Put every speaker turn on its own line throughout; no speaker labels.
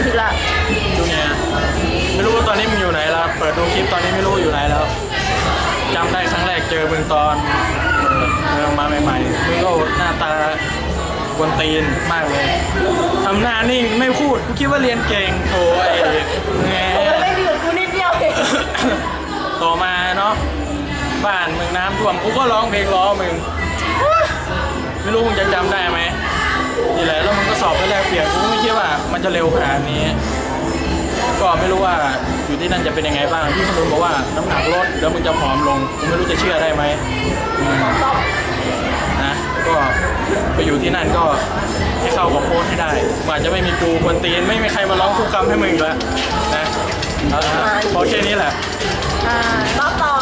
ทิตย์ละ
จูเนียร์ไม่รู้ว่าตอนนี้มึงอยู่ไหนแล้วเปิดดูคลิปตอนนี้ไม่รู้อยู่ไหนแล้วจำได้ครั้งแรกเจอมึงตอนเมืองมาใหม่ๆมึงก็หน้าตากวนตีนมากเลยทำหน้านิ่งไม่พูดกูคิดว่าเรียนเก่งโถ่ไอ้แง่
ไม่ดีกับกูนิดเดียวเอง
ต่อมาเนาะบ้านมึงน้ำท่วมกูก็ร้องเพลงล้อมึงไม่รู้มึงจะจำได้ไหมนี่แหละแล้วมึงก็สอบไปแลกเปลี่ยนกูก็ไม่คิดว่ามันจะเร็วขนาดนี้ก็ไม่รู้ว่าอยู่ที่นั่นจะเป็นยังไงบ้างพี่ขนุนบอกว่าน้ำหนักลดแล้วมึงจะผอมลงกูไม่รู้จะเชื่อได้ไหมนะก็ไปอยู่ที่นั่นก็ให้เข้ากับโค้ชให้ได้อาจจะไม่มีกูคนตีนไม่มีใครมาร้องคู่กรรมให้มึงอีกแล้วนะพอแค่นี้แหละ
รอบต่อ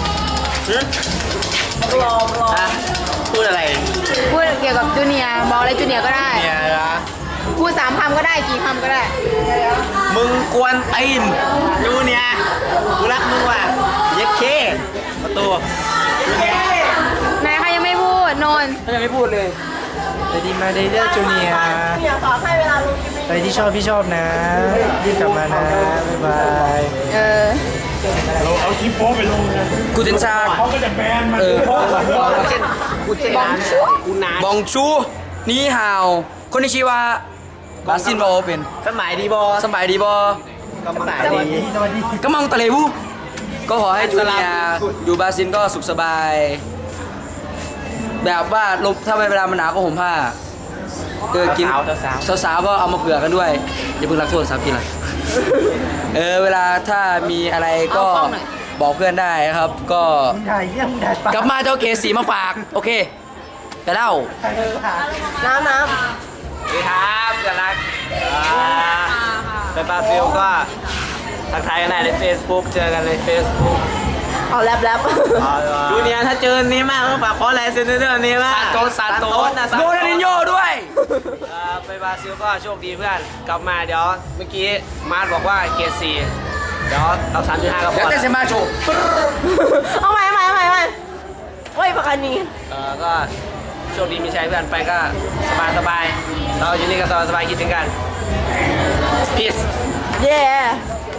รอ
พูดอะไร
พูดเกี่ยวกับจูเนียร์บอกอะไรจูเนียร์ก็ได้
เนี่ยนะ
พูด3 คำก็ได้กี่คำก็ได้
มึงกวนตีนดูเนี่ยกูรักมึงว่ะเย็ดเคประตู
นายเขายังไม่พูดนนท์
เขายังไม่พูดเลย
แต่ดีมาเดย์จูเนียร์
ขอให้เวลาลุง
ไปที่ชอบพี่ชอบนะรีบกลับมานะบ๊ายบาย
เราเอาคลิปโป๊ไปลงกัน
กูเจนชา
เขาก็จะแบนมัน
กูเจนกูนาน
บองชูนี่ฮาวคนที่ชื่อว่าบาซินบอเป็น
สมัยดีบอ
สบายดีบอ
ก็สมัยดี
ก็มองตะเลวูก็ขอให้จูเนียร์อยู่บาซินก็สุขสบายแบบว่าลมถ้าเวลามันหนาวก็ห่มผ้ากินสาวๆก็เอามาเผื่อกันด้วยอย่าเพิ่งรักโทษสาวกินละเวลาถ้ามีอะไรก็บอกเพื่อนได้ครับก็กลับมาเจ้าเกสีมาฝากโอเคไปเล่า
น้ำ
สวัสดีครับกันรักเป็นบราซิลก็ทักทายกันได้ใน Facebook เจอกันใน Facebook
เอาแรป
จูเนียร์ถ้าเจอนี้มากก็ฝากขอลายเซ็นเรื่องนี้มากซานโต้นะ
โรนัลดินโญ่ด้วย
ไปบราซิลก็โชคดีเพื่อนกลับมาเดี๋ยวเมื่อกี้มาร์ทบอกว่าเกรด4เดี๋ยวเอา3.5ก็พอ
เดี๋ยวเต้นเซมาโชว์
เอาใหม่โอ้ยปากกานี
ก็โชคดีมีชัยเพื่อนไปก็สบายเราอยู่นี่ก็สบายคิดถึงกัน peace
เย้